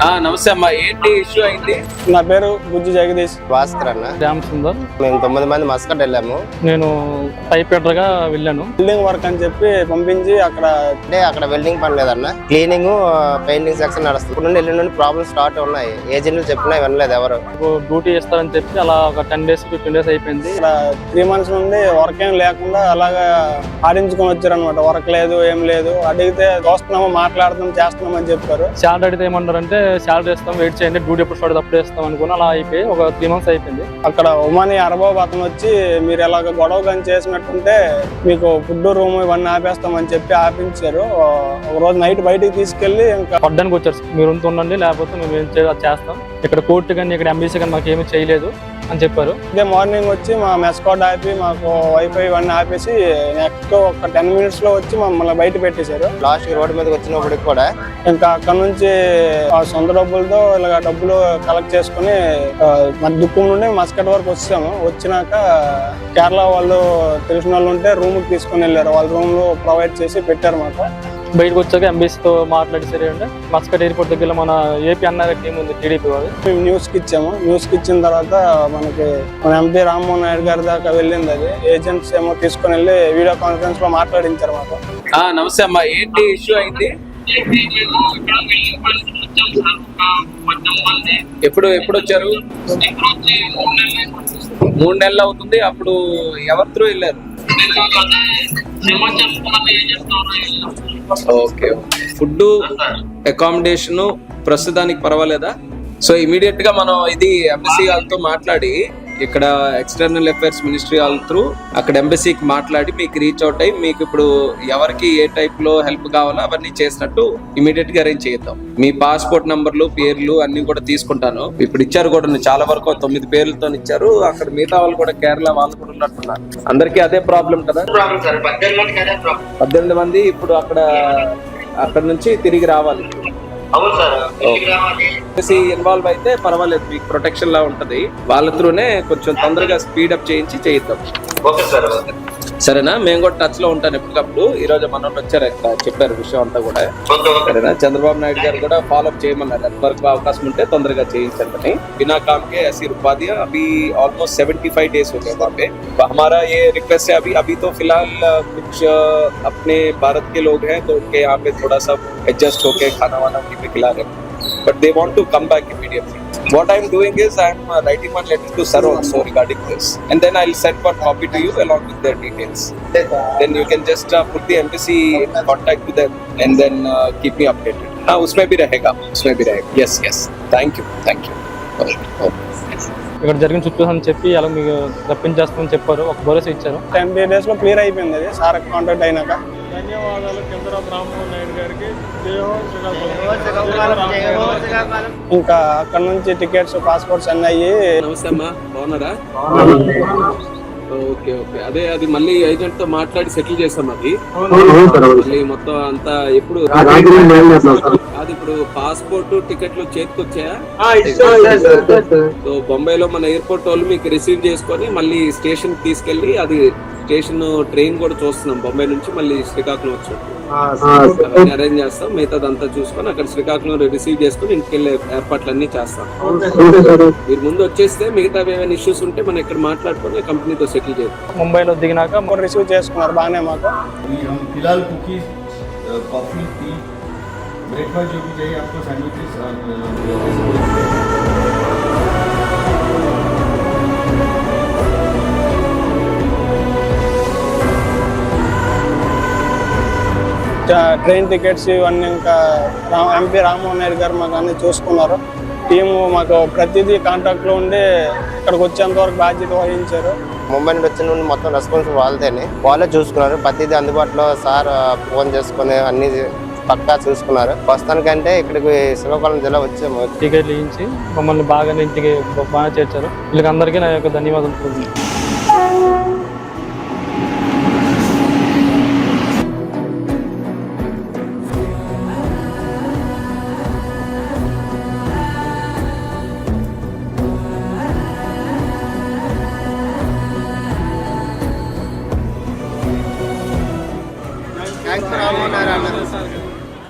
నమస్తే అమ్మా, ఏంటి ఇష్యూ అయింది? నా పేరు గుజ్జు జగదీష్. భాస్కర్ అన్న. శ్యామ్ సుందర్. మేము 9 మంది మస్కట్ వెళ్ళాము. నేను టైపెటర్ గా వెళ్ళాను. బిల్డింగ్ వర్క్ అని చెప్పి పంపించి అక్కడ వెల్డింగ్ పని లేదన్న, క్లీనింగ్ పెయింటింగ్ సెక్షన్ నడుస్తుంది. ఇప్పుడు నుండి ఎల్లుండి నుండి ప్రాబ్లమ్స్ స్టార్ట్ ఉన్నాయి. ఏజెంట్లు చెప్పినా వినలేదు ఎవరు. డ్యూటీ చేస్తారని చెప్పి అలా ఒక 10 days 15 days అయిపోయింది. ఇక్కడ 3 months నుండి వర్క్ ఏం లేకుండా అలాగా ఆడించుకొని వచ్చారు అనమాట. వర్క్ లేదు, ఏం లేదు. అడిగితే చూస్తున్నాము, మాట్లాడుతున్నాం, చేస్తున్నాం అని చెప్పారు. శాలరీ అడిగితే ఏమన్నారంటే శాలరీ ఇస్తాం, వెయిట్ చేయండి, డ్యూటీ ఎప్పుడు స్టార్ట్ అప్పుడే ఇస్తాం అనుకుని అలా అయిపోయి ఒక 3 months అయిపోయింది. అక్కడ ఉమాని అరబాబు అతను వచ్చి మీరు ఎలాగ గొడవ కానీ చేసినట్టుంటే మీకు ఫుడ్ రూమ్ ఇవన్నీ ఆపేస్తామని చెప్పి ఆపించారు. ఒక రోజు నైట్ బయటికి తీసుకెళ్లి ఇంకా పడ్డానికి వచ్చారు. మీరు ఉండండి, లేకపోతే మేము ఏం చేస్తాం, ఇక్కడ కోర్టు కానీ ఇక్కడ ఎంబీసీ కానీ మాకు ఏమీ చేయలేదు అని చెప్పారు. ఇదే మార్నింగ్ వచ్చి మా మెస్ కోడ్ ఆపి మాకు వైఫై ఇవన్నీ ఆపేసి నెక్స్ట్ ఒక 10 minutes లో వచ్చి మమ్మల్ని బయట పెట్టేశారు. లాస్ట్ రోడ్డు మీదకి వచ్చినప్పటికి కూడా ఇంకా అక్కడ నుంచి ఆ సొంత డబ్బులతో ఇలాగ డబ్బులు కలెక్ట్ చేసుకుని దుక్కుం నుండి మస్కట్ వరకు వచ్చాము. వచ్చినాక కేరళ వాళ్ళు తెలిసిన వాళ్ళు ఉంటే రూమ్ కి తీసుకుని వెళ్ళారు. వాళ్ళ రూమ్ లో ప్రొవైడ్ చేసి పెట్టారు మాకు. బయటకు వచ్చాక ఎంబీసీతో మాట్లాడి సరే అంటే మస్కట్ ఎయిర్పోర్ట్ దగ్గర మన ఏపీ అన్నారు టీం ఉంది, టీడీపీ వాళ్ళు. మేము న్యూస్ కి ఇచ్చాము. న్యూస్ కి ఇచ్చిన తర్వాత మనకి మన ఎంపీ రామ్మోహన్ నాయుడు గారి దాకా వెళ్ళింది. అది ఏజెంట్స్ ఏమో తీసుకుని వెళ్ళి వీడియో కాన్ఫరెన్స్ లో మాట్లాడించారు మాకు. నమస్తే అమ్మా, ఏంటి ఇష్యూ అయింది? ఎప్పుడు వచ్చారు? 3 నెలలు అవుతుంది. అప్పుడు ఎవరితో వెళ్ళారు? ఓకే, ఫుడ్ అకామిడేషన్ ప్రస్తుతానికి పర్వాలేదా? సో ఇమీడియట్ గా మనం ఇది ఎంబసీ వాళ్ళతో మాట్లాడి ఇక్కడ ఎక్స్టర్నల్ అఫైర్స్ మినిస్ట్రీ వాళ్ళ త్రూ అక్కడ ఎంబసీకి మాట్లాడి మీకు రీచ్ అవుట్ అయ్యి మీకు ఇప్పుడు ఎవరికి ఏ టైప్ లో హెల్ప్ కావాలో అవన్నీ చేసినట్టు ఇమీడియట్ గా అరేంజ్ చేద్దాం. మీ పాస్పోర్ట్ నంబర్లు, పేర్లు అన్ని కూడా తీసుకుంటాను. ఇప్పుడు ఇచ్చారు కూడా, చాలా వరకు 9 పేర్లతో ఇచ్చారు. అక్కడ మిగతా వాళ్ళు కూడా కేరళ వాళ్ళు కూడా ఉన్నట్టున్నారు. అందరికీ అదే ప్రాబ్లం కదా? 18 మంది ఇప్పుడు అక్కడ నుంచి తిరిగి రావాలి. ఇన్వాల్వ్ అయితే పర్వాలేదు, మీకు ప్రొటెక్షన్ లా ఉంటది. వాళ్ళ త్రూనే కొంచెం తొందరగా స్పీడప్ చేయించి చేయిద్దాం. సరేనా? మేము కూడా టచ్ లో ఉంటాను ఎప్పటికప్పుడు. ఈ రోజు మన వచ్చారు, చెప్పారు విషయం అంతా కూడా. సరేనా? చంద్రబాబు నాయుడు గారు కూడా ఫాలోఅప్ చేయమన్నారు. ఎంతవరకు అవకాశం ఉంటే తొందరగా చేయించండి. बिना काम के ऐसी रुकवा दिया. अभी ऑलमोस्ट 75 days हो गए वहाँ पे. हमारा ये रिक्वेस्ट है, अभी तो फिलहाल कुछ अपने भारत के लोग हैं तो उनके यहाँ पे थोड़ा सा एडजस्ट होके खाना वाना उन्हीं पे खिला रहे हैं. But they want to come back immediately. What I'm doing is I'm writing one letter to sir also regarding this, and then I'll send one copy to you along with their details. Then you can just put the embassy in contact with them and then keep me updated. हाँ, उसमें भी रहेगा. Yes. Thank you. Okay. ఇక్కడ జరిగిన situation చెప్పి అలా మీకు రప్పించేస్తామని చెప్పారు. ఒక భరోసా ఇచ్చారు. 10 days లో క్లియర్ అయిపోయింది. అది సార్ కాంటాక్ట్ అయినాక. ధన్యవాదాలు చంద్రబాబు రామ్మోహన్ నాయుడు గారికి. ఇంకా అక్కడ నుంచి టికెట్స్, పాస్పోర్ట్స్ అన్నీ అయ్యి. నమస్తే అమ్మా, బాగున్నారా? ఓకే. అది మళ్ళీ ఏజెంట్ తో మాట్లాడి సెటిల్ చేస్తాం. అది మళ్ళీ మొత్తం అంతా ఎప్పుడు అది ఇప్పుడు పాస్పోర్ట్ టికెట్లు చేతికి వచ్చాయా? సో బొంబాయిలో మన ఎయిర్పోర్ట్ వాళ్ళు మీకు రిసీవ్ చేసుకొని మళ్ళీ స్టేషన్ తీసుకెళ్లి, అది స్టేషన్ ట్రైన్ కూడా చూస్తున్నాం బొంబాయి నుంచి మళ్ళీ శ్రీకాకుళం వచ్చాడు. అరేంజ్ చేస్తాం. మిగతాదంతా చూసుకొని అక్కడ శ్రీకాకుళం రిసీవ్ చేసుకుని ఇంటికి వెళ్ళే ఏర్పాట్లన్నీ చేస్తాం. మీరు ముందు వచ్చేస్తే మిగతా ఏమైనా ఇష్యూస్ ఉంటే మనం ఇక్కడ మాట్లాడుకొని కంపెనీతో సెటిల్ చేద్దాం. ముంబైలో దిగినాక రిసీవ్ చేసుకున్నారు బాగానే మాకు. फिलहाल कुकीज, कॉफी, टी, ब्रेकफास्ट जो भी चाहिए आपको, सैंडविचेस ట్రైన్ టికెట్స్ ఇవన్నీ ఇంకా ఎంపీ రామ్మోహన్ నాయుడు గారు మాకు అన్ని చూసుకున్నారు. టీము మాకు ప్రతిదీ కాంటాక్ట్ లో ఉండి ఇక్కడికి వచ్చేంత వరకు బాధ్యత వహించారు. ముంబై నుండి వచ్చిన నుండి మొత్తం రెస్పాన్స్ వాళ్ళే చూసుకున్నారు. ప్రతిదీ అందుబాటులో సార్ ఫోన్ చేసుకుని అన్ని పక్కా చూసుకున్నారు. ప్రస్తుతానికంటే ఇక్కడికి శ్రీకాకుళం జిల్లా వచ్చాము. టికెట్లు ఇచ్చి మమ్మల్ని బాగా ఇంటికి బాగా చేర్చారు. వీళ్ళకి అందరికీ నా యొక్క ధన్యవాదాలు.